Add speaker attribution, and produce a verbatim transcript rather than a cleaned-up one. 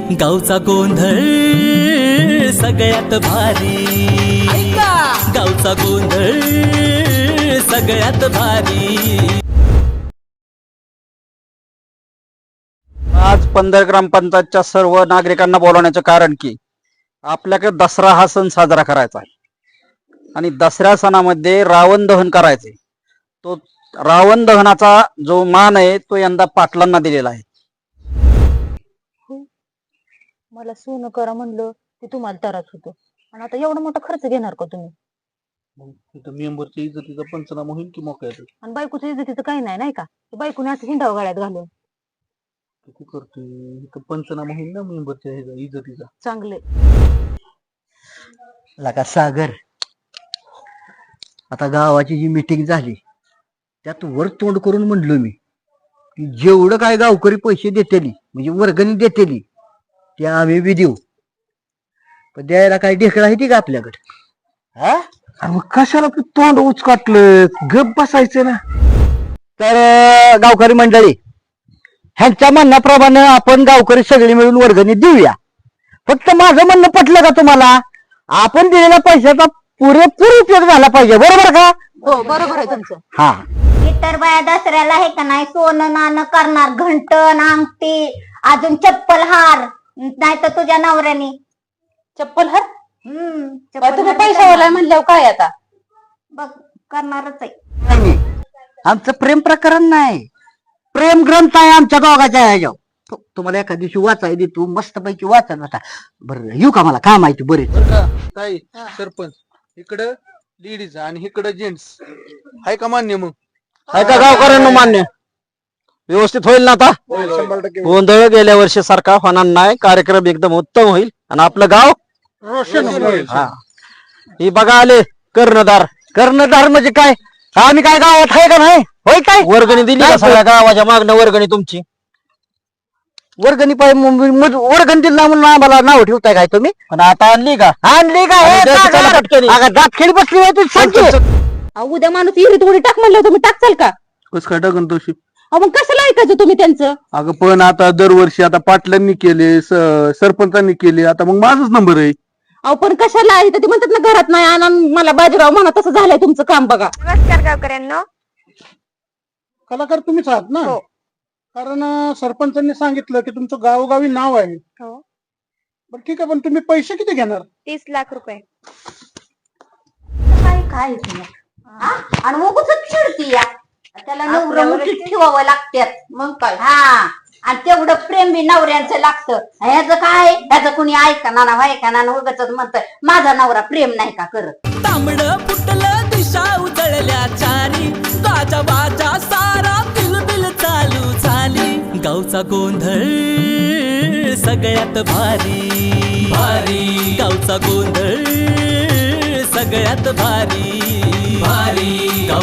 Speaker 1: गावचा गोंधळ सगळ्यात भारी, गावचा गोंधळ सगळ्यात भारी।
Speaker 2: आज पंधर ग्रामपंचायतच्या सर्व नागरिकांना बोलवण्याचं कारण की आपल्याकडे दसरा हा सण साजरा करायचा आहे आणि दसऱ्या सणामध्ये रावण दहन करायचे। तो रावण दहनाचा जो मान आहे तो यंदा पाटलांना दिलेला आहे।
Speaker 3: मला सोनं करा म्हणलं की तुम्हाला त्रास होतो आणि आता एवढा मोठा खर्च घेणार का तुम्ही?
Speaker 4: मेंबरच्या इज्जतीचा पंचनामा होईल की मोकळ्या
Speaker 3: आणि बायकोच्या इज्जतीचं काही नाही नाही का? बायकोने असं हिंडाव गाड्यात घालून
Speaker 4: किती करतोय पंचनामा होईल ना मेंबरच्या इज्जतीचा।
Speaker 3: चांगले
Speaker 5: लका सागर, आता गावाची जी मीटिंग झाली त्यात वर तोंड करून म्हणलो मी की जेवढं काय गावकरी पैसे देतेली म्हणजे वर्गणी देतेली ते आम्ही बी देऊ, पण द्यायला काय ढेकळा आहे ती का आपल्याकडे? हा
Speaker 4: मग कशाला तू तोंड उचकाटलं, गप बसायचं ना।
Speaker 5: तर अं, गावकरी मंडळी ह्यांच्या म्हणण्याप्रमाणे आपण गावकरी सगळी मिळून वर्गणी देऊया। फक्त माझं म्हणणं पटलं का तुम्हाला? आपण दिलेल्या पैशाचा पुरेपूर उपयोग झाला पाहिजे, बरोबर का?
Speaker 3: हो बरोबर आहे तुमचं।
Speaker 5: हा
Speaker 6: इतर बाया दसऱ्याला हे का नाही सोनं नाणं करणार, घंटन अंगठी अजून चप्पल हार, नाही तर तुझ्या नवऱ्याने
Speaker 3: चप्पल हर
Speaker 6: हम्म
Speaker 3: तुम्ही पैशावाला म्हणल्यावर काय आता
Speaker 6: बघ करणारच आहे।
Speaker 5: नाही, आमचं प्रेम प्रकरण नाही, प्रेम ग्रंथ आहे आमच्या दोघाच्या ह्याच्यावर। तु- तुम्हाला एका दिवशी वाचाय दे, तू मस्त पैकी वाचा आता। बरं येऊ का, मला काम आहे बरे।
Speaker 4: बरं का काय सरपंच, इकडं लेडीज आणि इकडं जेंट्स आहे का मान्य? मग
Speaker 2: आहे का गावकऱ्यांना मान्य? व्यवस्थित होईल ना आता?
Speaker 4: शंभर टक्के
Speaker 2: गोंधळ गेल्या वर्षी सारखा होणार नाही, कार्यक्रम एकदम उत्तम होईल आणि आपलं गाव
Speaker 4: रोशन होईल।
Speaker 2: हा ही बघा आले कर्णधार।
Speaker 5: कर्णधार म्हणजे काय? आम्ही काय गावात आहे का नाही? होय काय?
Speaker 2: वर्गणी दिली का सगळ्या गावाच्या मागणं वर्गणी तुमची?
Speaker 5: वर्गणी पाहिजे वर्गणी दिला म्हणून आम्हाला नाव ठेवताय काय तुम्ही?
Speaker 2: पण आता आणली का?
Speaker 5: आणली काय?
Speaker 2: आणि द्या की त्याला पटकन.
Speaker 5: दात खेळी बसली होय तू, सांग की.
Speaker 3: अहो, उद्या माणूस इरीत उडी टाक म्हणलं तुम्ही टाकचाल का?
Speaker 4: कस काय टाकन तशी?
Speaker 3: अहो मग कशाला ऐकायचं तुम्ही त्यांचं?
Speaker 4: अगं पण आता दरवर्षी आता पाटलांनी केले, स- सरपंचांनी केले, आता मग माझाच नंबर आहे।
Speaker 3: अहो पण कशाला आहे? ते म्हणतात ना घरात नाही आणा, मला बाजीराव म्हणा, तसं झालंय तुमचं काम बघा।
Speaker 6: नमस्कार गावकऱ्यांनो।
Speaker 7: कलाकार तुम्हीच आहात ना?
Speaker 6: हो.
Speaker 7: कारण अं, सरपंचांनी सांगितलं की तुमचं गावोगावी नाव आहे।
Speaker 6: हो
Speaker 7: बरं ठीक आहे, पण तुम्ही पैसे किती घेणार?
Speaker 6: तीस लाख रुपये। काय काय आणि उगच चिडती या त्याला नवरं मुठीत ठेवावं लागतात मग काय। हा आणि तेवढं प्रेम बी नवऱ्यांचं लागतं। ह्याचं काय, ह्याचं कुणी ऐकणार ना ऐकणार उगाच म्हणत माझा नवरा प्रेम नाही का करत।
Speaker 1: तांबड फुटलं दिशा उजळल्या चारी, गाजा बाजा सारा बिलबिल चालू झाली। गावचा गोंधळ सगळ्यात भारी, भारी गावचा गोंधळ सगळ्यात भारी, भारी गाव